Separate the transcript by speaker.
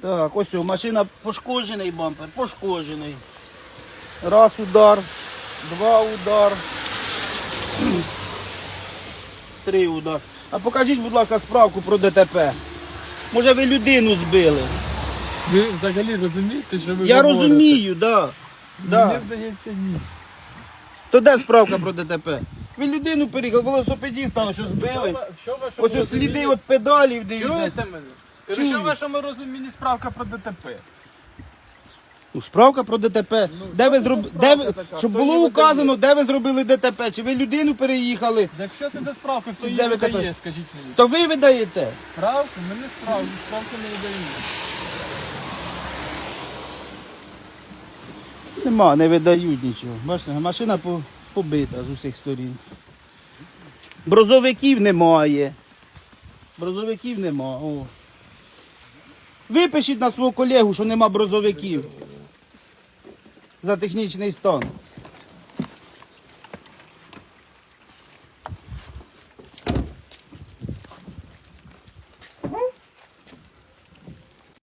Speaker 1: Так, ось о, машина пошкоджений бампер, пошкоджений. Раз удар, два удар, три удар. А покажіть, будь ласка, справку про ДТП. Може ви людину збили?
Speaker 2: Ви взагалі розумієте, що ви
Speaker 1: Я
Speaker 2: говорите?
Speaker 1: розумію, да.
Speaker 2: Мені здається, ні.
Speaker 1: То де справка про ДТП? Ви людину переїхали, велосипедіста ось збили.
Speaker 2: Що в вашому
Speaker 1: Ось сліди від педалів, дивіться.
Speaker 2: Чуєте мене?
Speaker 1: Чую.
Speaker 2: Що в вашому розумінні справка про ДТП?
Speaker 1: Ну, справка про ДТП. Де ви зробили, де ви,
Speaker 2: така?
Speaker 1: щоб
Speaker 2: Хто
Speaker 1: було
Speaker 2: її
Speaker 1: указано, де ви зробили ДТП, чи ви людину переїхали,
Speaker 2: Якщо це за справка, хто
Speaker 1: Де
Speaker 2: її
Speaker 1: ви
Speaker 2: видає,
Speaker 1: катаєте?
Speaker 2: скажіть мені.
Speaker 1: то ви видаєте.
Speaker 2: Справку? Ми не справку не видаємо.
Speaker 1: Нема, не видають нічого. Бачите, машина побита з усіх сторін. Брозовиків немає. Брозовиків нема. О. Випишіть на свого колегу, що нема брозовиків. За технічний стан.